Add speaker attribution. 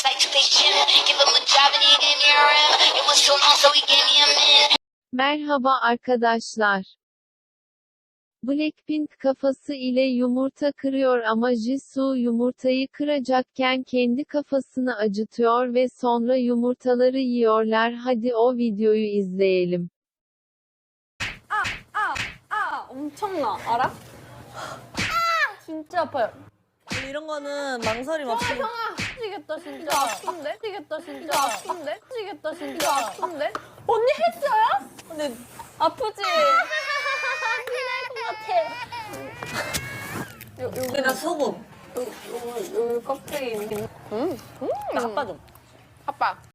Speaker 1: like to pay gym. Give him a job and he gave me a rim. It was too long, so he gave me a min.
Speaker 2: Merhaba arkadaşlar. Blackpink kafası ile yumurta kırıyor ama Jisoo yumurtayı kıracakken kendi kafasını acıtıyor ve sonra yumurtaları yiyorlar. Hadi o videoyu izleyelim.
Speaker 3: 엄청나 알아? 진짜 아파요.
Speaker 4: 이런 거는 망설임 없이
Speaker 3: 미치겠다 진짜. 아픈데? 미치겠다 진짜. 아픈데? 미치겠다 진짜. 아픈데? 언니 했어요?
Speaker 4: 근데
Speaker 3: 아프지? 피날 것 같아.
Speaker 4: 여기다 소금
Speaker 3: 여기 껍데기.
Speaker 4: 나 아빠 좀
Speaker 3: 아빠.